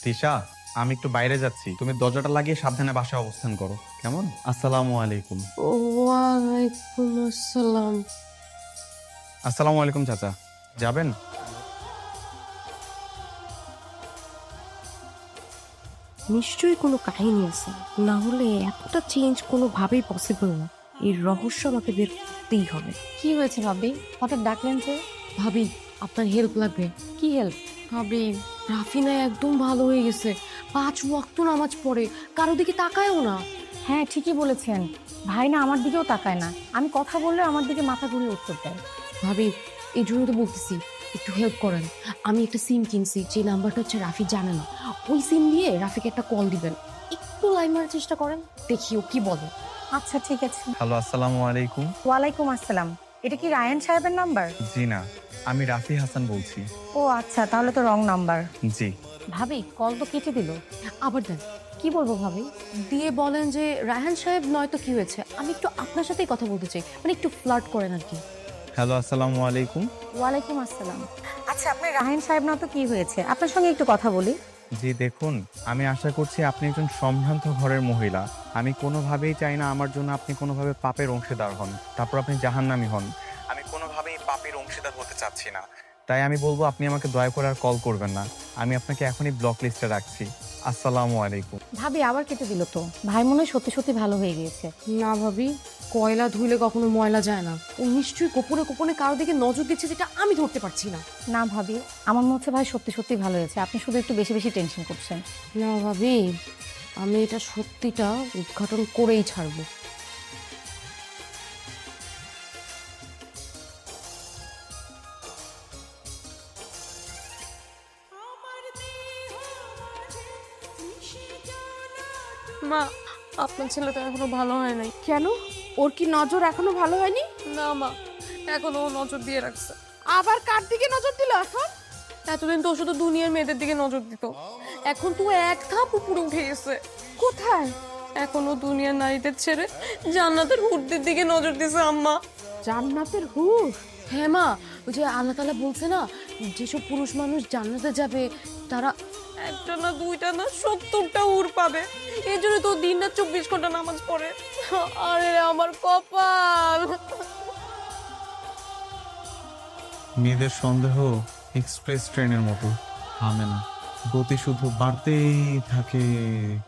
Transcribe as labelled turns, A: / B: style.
A: তিশা, আমি একটু বাইরে যাচ্ছি, তুমি দরজাটা লাগিয়ে সাবধানে বাসায় অবস্থান করো, কেমন? আসসালামু আলাইকুম।
B: ওয়ালাইকুম আসসালাম।
A: আসসালামু আলাইকুম চাচা, যাবেন?
B: নিশ্চয়ই কোনো কাহিনী আছে, না হলে এতটা চেঞ্জ কোনোভাবেই পসিবল না। এই রহস্য আমাকে বের করতেই হবে।
C: কি হয়েছে ভাবি? হঠাৎ ডাকলেন যে?
B: ভাবি, আপনার হেল্প লাগবে।
C: কি হেল্প?
B: ভাবি, রাফিনা একদম ভালো হয়ে গেছে। 5 ওয়াক্ত নামাজ পড়ে, কারো দিকে তাকায়ও না।
C: হ্যাঁ, ঠিকই বলেছেন। ভাই না আমার দিকেও তাকায় না, আমি কথা বললে আমার দিকে মাথা ঘুরিয়ে উত্তর দেয়।
B: ভাবি, এই জন্য তো বলতেছি একটু হেল্প করেন। আমি একটা সিম কিনছি, যে নাম্বারটা হচ্ছে রাফি জানে না। ওই সিম দিয়ে রাফিকে একটা কল দিবেন। একটু লাইন মারার চেষ্টা করেন, দেখি ও কি বলে।
C: আচ্ছা ঠিক আছে।
A: হ্যালো, আসসালামু আলাইকুম।
C: ওয়ালাইকুম আসসালাম। এটা কি রায়ান সাহেবের নাম্বার?
A: জি না, আমি রাফি হাসান বলছি।
C: ও আচ্ছা, তাহলে তো রং নাম্বার।
A: জি।
C: ভাবি, কল তো কেটে দিল।
B: আবার দেন,
C: কি বলবো ভাবি?
B: দিয়ে বলেন যে রায়হান সাহেব নয়তো কি হয়েছে, আমি একটু আপনার সাথেই কথা বলতে চাই, মানে একটু ফ্লার্ট করেন আর কি।
A: হ্যালো, আসসালামু আলাইকুম।
C: ওয়ালাইকুম আসসালাম। আচ্ছা, আপনি রায়ান সাহেব না তো কি হয়েছে, আপনার সঙ্গে একটু কথা বলি।
A: জি দেখুন, আমি আশা করছি আপনি একজন সম্ভ্রান্ত ঘরের মহিলা। আমি কোনোভাবেই চাই না আমার জন্য আপনি কোনোভাবে পাপের অংশীদার হন, তারপর আপনি জাহান্নামী হন। আমি কোনোভাবেই পাপের অংশীদার হতে চাচ্ছি না। তাই আমি বলবো আপনি আমাকে দয়া করে আর কল করবেন না। আমি আপনাকে এখনই ব্লক লিস্টে রাখছি। আসসালামু আলাইকুম।
C: ভাবি, আবার কেটে দিল তো। ভাই মনে হয় সত্যি সত্যি ভালো হয়ে গিয়েছে।
B: না ভাবি, কয়লা ধুইলে কখনো ময়লা যায় না। ও নিশ্চয়ই গোপনে গোপনে কারো দিকে নজর দিচ্ছে, যেটা আমি ধরতে পারছি না।
C: না ভাবি, আমার মনে হচ্ছে ভাই সত্যি সত্যি ভালো হয়েছে, আপনি শুধু একটু বেশি বেশি টেনশন করছেন।
B: না ভাবি, আমি এটা সত্যিটা উদ্ঘাটন করেই ছাড়বো। মা, আপনার ছেলে তো এখনো ভালো হয় নাই।
D: কেন? ওর কি নজর এখনো ভালো হয়নি?
B: না মা, এখনো ও নজর দিয়ে রাখছে।
D: আবার কার দিকে নজর দিল এখন?
B: এতদিন তো ও শুধু দুনিয়ার মেয়েদের দিকে নজর দিত, এখন তো ও এক ধাপ উপরে উঠে গেছে।
D: কোথায়?
B: এখনো দুনিয়ার নারীদের ছেড়ে জান্নাতের হুরদের দিকে নজর দিছে আম্মা।
D: জান্নাতের হুর?
B: হ্যাঁ মা, ওই যে আল্লাহ তাআলা বলছে না, যেসব পুরুষ মানুষ জান্নাতে যাবে তারা একটা না দুইটা না 70টা হুর পাবে। এই জন্য তো দিন রাত 24 ঘন্টা নামাজ পড়ে। আরে আমার কপাল।
A: মেয়েদের সন্দেহ এক্সপ্রেস ট্রেনের মতো থামে না, গতি শুধু বাড়তেই থাকে।